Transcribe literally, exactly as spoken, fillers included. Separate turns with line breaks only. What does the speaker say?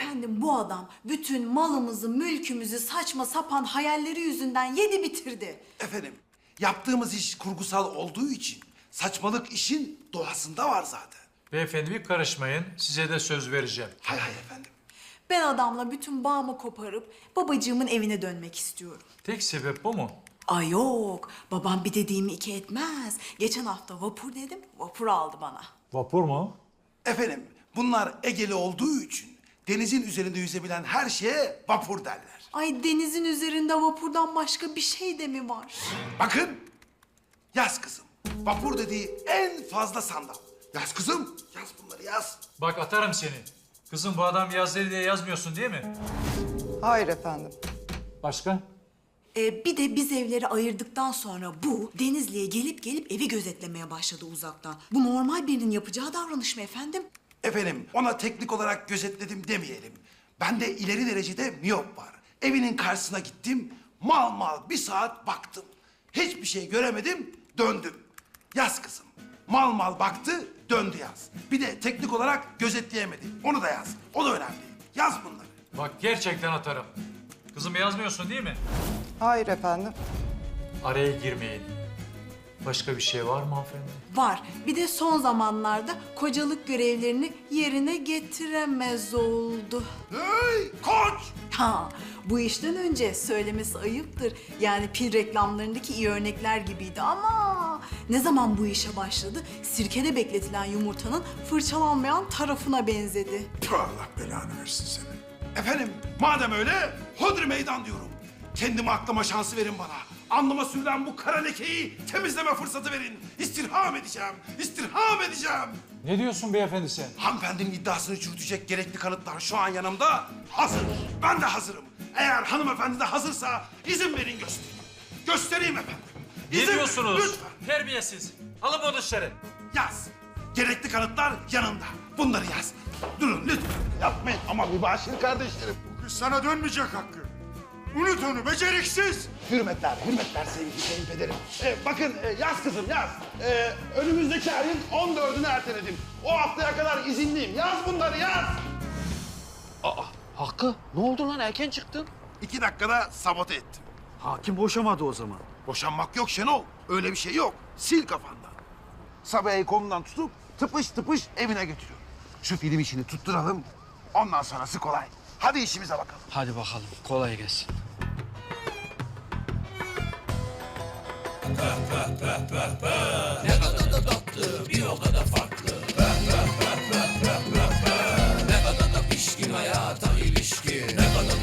Efendim bu adam bütün malımızı, mülkümüzü saçma sapan hayalleri yüzünden yedi bitirdi.
Efendim, yaptığımız iş kurgusal olduğu için saçmalık işin doğasında var zaten.
Beyefendi bir karışmayın. Size de söz vereceğim.
Hay hay efendim.
Ben adamla bütün bağımı koparıp babacığımın evine dönmek istiyorum.
Tek sebep bu mu?
Ay yok, babam bir dediğimi iki etmez. Geçen hafta vapur dedim, vapur aldı bana.
Vapur mu?
Efendim, bunlar Egeli olduğu için denizin üzerinde yüzebilen her şeye vapur derler.
Ay denizin üzerinde vapurdan başka bir şey de mi var?
Bakın, yaz kızım. Vapur dediği en fazla sandal. Yaz kızım, yaz bunları yaz.
Bak atarım seni. Kızım bu adam yaz dedi diye yazmıyorsun değil mi?
Hayır efendim.
Başka?
Ee, bir de biz evleri ayırdıktan sonra bu Denizli'ye gelip gelip evi gözetlemeye başladı uzaktan. Bu normal birinin yapacağı davranış mı efendim?
Efendim, ona teknik olarak gözetledim demeyelim. Bende ileri derecede miyop var. Evinin karşısına gittim, mal mal bir saat baktım. Hiçbir şey göremedim, döndüm. Yaz kızım. Mal mal baktı, döndü yaz. Bir de teknik olarak gözetleyemedi. Onu da yaz. O da önemli. Yaz bunları.
Bak gerçekten atarım. Kızım yazmıyorsun değil mi?
Hayır efendim.
Araya girmeyin. Başka bir şey var mı hanımefendi?
Var. Bir de son zamanlarda kocalık görevlerini yerine getiremez oldu.
Hey koç!
Ha, bu işten önce söylemesi ayıptır. Yani pil reklamlarındaki iyi örnekler gibiydi ama ne zaman bu işe başladı, sirkede bekletilen yumurtanın fırçalanmayan tarafına benzedi.
Tüh, Allah belanı versin seni. Efendim, madem öyle, hodri meydan diyorum. Kendime aklama şansı verin bana. Alnıma sürülen bu kara lekeyi temizleme fırsatı verin. İstirham edeceğim, istirham edeceğim.
Ne diyorsun beyefendi sen?
Hanımefendinin iddiasını çürütecek gerekli kanıtlar şu an yanımda. Hazır. Ben de hazırım. Eğer hanımefendi de hazırsa izin verin göstereyim. Göstereyim efendim.
Ne
İzin verin,
diyorsunuz?
lütfen.
Terbiyesiz. Alın bunu dışarı.
Yaz. Gerekli kanıtlar yanımda. Bunları yaz. Durun lütfen. Yapmayın ama mübaşir kardeşlerim.
Bu kız sana dönmeyecek Hakkı. Unut onu beceriksiz.
Hürmetler, hürmetler sevgili kayınpederim. Ee, bakın e, yaz kızım yaz. Ee, önümüzdeki ayın on dördünü erteledim. O haftaya kadar izinliyim. Yaz bunları yaz.
Hakkı, ne oldu lan? Erken çıktın.
İki dakikada sabote ettim.
Hakim boşamadı o zaman.
Boşanmak yok Şenol. Öyle bir şey yok. Sil kafandan. Sabiha'yı kolundan tutup tıpış tıpış evine götürüyorum. Şu film işini tutturalım. Ondan sonrası kolay. Hadi işimize bakalım.
Hadi bakalım, kolay gelsin.
Pişkin hayata ilişkin